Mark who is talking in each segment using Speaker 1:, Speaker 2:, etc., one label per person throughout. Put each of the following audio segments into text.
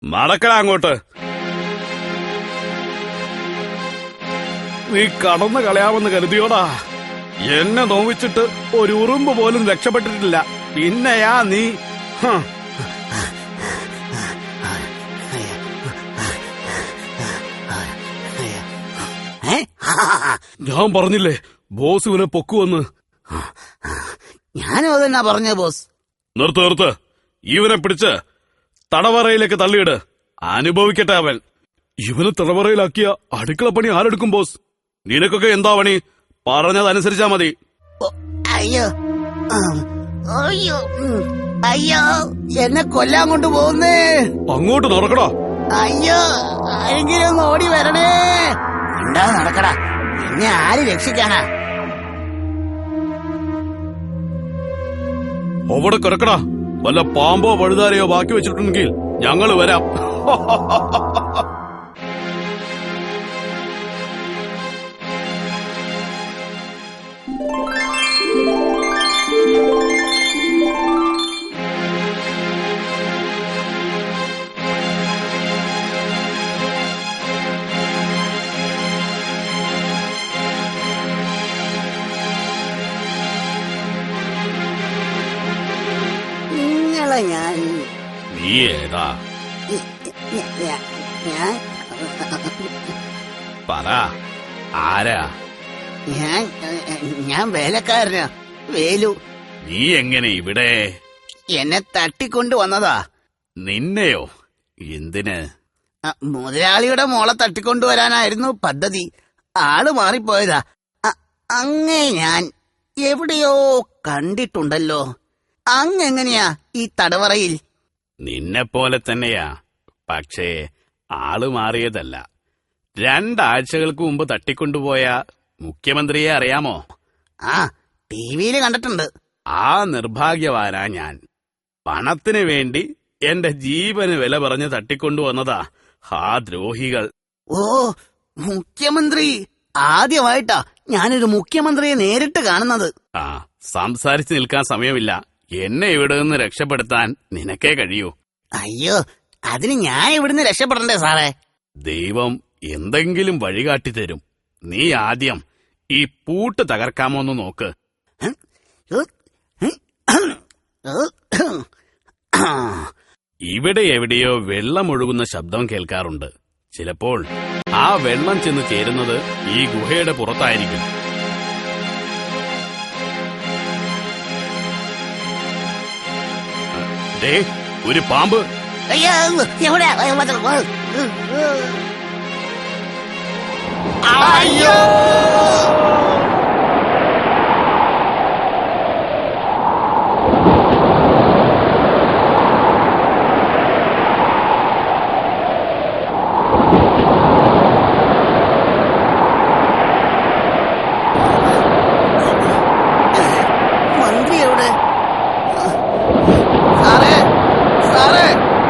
Speaker 1: നടക്കടാ അങ്ങോട്ട്. നീ കടന്നു കളയാമെന്ന് കരുതിയോടാ. എന്നെ നോവിച്ചിട്ട് ഒരു ഉറുമ്പ് പോലും രക്ഷപ്പെട്ടിട്ടില്ല. പിന്നെയാ നീ. ഞാൻ പറഞ്ഞില്ലേ ബോസ് ഇവനെ പൊക്കുവെന്ന്.
Speaker 2: ഞാനും അതെന്നാ പറഞ്ഞ ബോസ്.
Speaker 1: നിർത്ത്. ഇവനെ പിടിച്ച് തടവറയിലേക്ക് തള്ളിയിട്. അനുഭവിക്കട്ടെ അവൻ. ഇവനെ തടവറയിലാക്കിയ അടുക്കള പണി ആരെടുക്കും ബോസ്? നിനക്കൊക്കെ എന്താ പണി? പറഞ്ഞതനുസരിച്ചാ മതി.
Speaker 2: അയ്യോ അയ്യോ അയ്യോ, എന്നെ കൊല്ലാൻ കൊണ്ടുപോകുന്നേ.
Speaker 1: അങ്ങോട്ട് നടക്കടാ.
Speaker 2: അയ്യോ, ആരെങ്കിലും ഒന്ന് ഓടി വരണേ. എന്താ നടക്കടാ, എന്നെ ആര് രക്ഷിക്കാനാ?
Speaker 1: അവിടെ കിടക്കടാ. വല്ല പാമ്പോ വഴുതാരയോ ബാക്കി വെച്ചിട്ടുണ്ടെങ്കിൽ ഞങ്ങള് വരാം.
Speaker 2: ഞാൻ
Speaker 1: നീ ഏതാ?
Speaker 2: ഞാൻ
Speaker 1: പറ, ആരാ?
Speaker 2: ഞാൻ വേലക്കാരനാ, വേലു.
Speaker 1: നീ എങ്ങനെ ഇവിടെ?
Speaker 2: എന്നെ തട്ടിക്കൊണ്ടു വന്നതാ.
Speaker 1: നിന്നെയോ? എന്തിന്?
Speaker 2: മുതലാളിയുടെ മോളെ തട്ടിക്കൊണ്ടുവരാനായിരുന്നു പദ്ധതി. ആള് മാറിപ്പോയതാ. അങ്ങേ ഞാൻ എവിടെയോ കണ്ടിട്ടുണ്ടല്ലോ. അങ്ങെങ്ങനെയാ ഈ തടവറയിൽ?
Speaker 1: നിന്നെപ്പോലെ തന്നെയാ, പക്ഷേ ആള് മാറിയതല്ല. 2 ആഴ്ചകൾക്ക് മുമ്പ് തട്ടിക്കൊണ്ടുപോയ മുഖ്യമന്ത്രിയെ അറിയാമോ?
Speaker 2: ആ, ടിവിയിൽ കണ്ടിട്ടുണ്ട്.
Speaker 1: ആ നിർഭാഗ്യവാനാ ഞാൻ. പണത്തിന് വേണ്ടി എന്റെ ജീവന് വില പറഞ്ഞ് തട്ടിക്കൊണ്ടുവന്നതാ ആ ദ്രോഹികൾ.
Speaker 2: ഓ, മുഖ്യമന്ത്രി! ആദ്യമായിട്ടാ ഞാനൊരു മുഖ്യമന്ത്രിയെ നേരിട്ട് കാണുന്നത്.
Speaker 1: ആ, സംസാരിച്ചു നിൽക്കാൻ സമയമില്ല. എന്നെ ഇവിടെ നിന്ന് രക്ഷപ്പെടുത്താൻ നിനക്കേ കഴിയൂ.
Speaker 2: അയ്യോ, അതിന് ഞാൻ ഇവിടുന്ന് രക്ഷപ്പെടണ്ടേ സാറേ?
Speaker 1: ദൈവം എന്തെങ്കിലും വഴികാട്ടി തരും. നീ ആദ്യം ഈ പൂട്ട് തകർക്കാമോന്ന് നോക്ക്. ഇവിടെ എവിടെയോ വെള്ളമൊഴുകുന്ന ശബ്ദം കേൾക്കാറുണ്ട്. ചിലപ്പോൾ ആ വെള്ളം ചെന്ന് ചേരുന്നത് ഈ ഗുഹയുടെ പുറത്തായിരിക്കും. ദേ, ഒരു പാമ്പ്.
Speaker 2: അയ്യോ, എവിടെ? അയ്യോ! മന്ത്രി എവിടെ? സാറേ, സാറേ!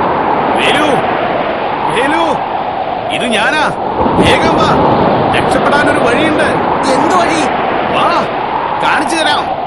Speaker 1: വേലു, ഇത് ഞാനാ. വേഗം വാ, രക്ഷപ്പെടാനൊരു വഴിയുണ്ട്.
Speaker 2: എന്ത് വഴി?
Speaker 1: വാ, കാണിച്ചു തരാം.